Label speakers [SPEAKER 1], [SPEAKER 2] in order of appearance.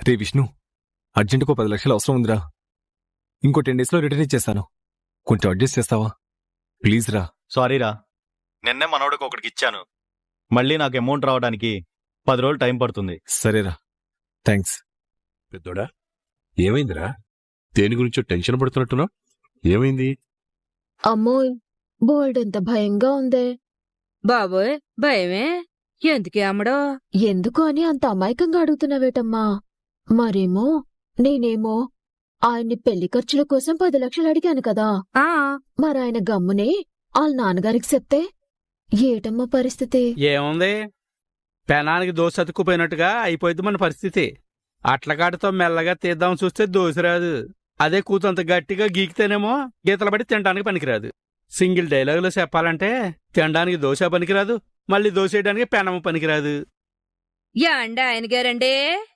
[SPEAKER 1] రే విష్ణు, అర్జెంటుకో 10 లక్షలు అవసరం ఉందిరా. ఇంకో 10 డేస్లో రిటర్న్ ఇచ్చేస్తాను. కొంచెం అడ్జస్ట్ చేస్తావా ప్లీజ్ రా.
[SPEAKER 2] సారీరా, నిన్నే మనోడికి ఒకటికి ఇచ్చాను. మళ్ళీ నాకు అమౌంట్ రావడానికి 10 రోజులు టైం పడుతుంది.
[SPEAKER 1] సరేరా, థ్యాంక్స్.
[SPEAKER 3] పెద్దోడా, ఏమైందిరా? దేని గురించో టెన్షన్ పడుతున్నట్టున్నావు. ఏమైంది?
[SPEAKER 4] అమ్మోయ్, బోల్డెంత భయంగా ఉందే.
[SPEAKER 5] బాబోయ్, భయమే? ఎందుకే అమ్మడో?
[SPEAKER 4] ఎందుకు అని అంత అమాయకంగా అడుగుతున్నావేటమ్మా? మరేమో నేనేమో ఆయన్ని పెళ్లి ఖర్చుల కోసం 10 లక్షలు అడిగాను కదా.
[SPEAKER 5] ఆ
[SPEAKER 4] మరాయన గమ్మునే వాళ్ళ నాన్నగారికి చెప్తే ఏటమ్మా పరిస్థితి?
[SPEAKER 6] ఏముంది, పెనానికి దోశ అతుక్కుపోయినట్టుగా అయిపోయింది మన పరిస్థితి. అట్లకాటతో మెల్లగా తీద్దాం చూస్తే దోశ రాదు. అదే కూతంత గట్టిగా గీకితేనేమో గీతలు పడి తినడానికి పనికిరాదు. సింగిల్ డైలాగులో చెప్పాలంటే తినడానికి దోశ పనికిరాదు, మళ్ళీ దోశ వేయడానికి పెనము పనికిరాదు.
[SPEAKER 5] యాండ ఆయన గారండే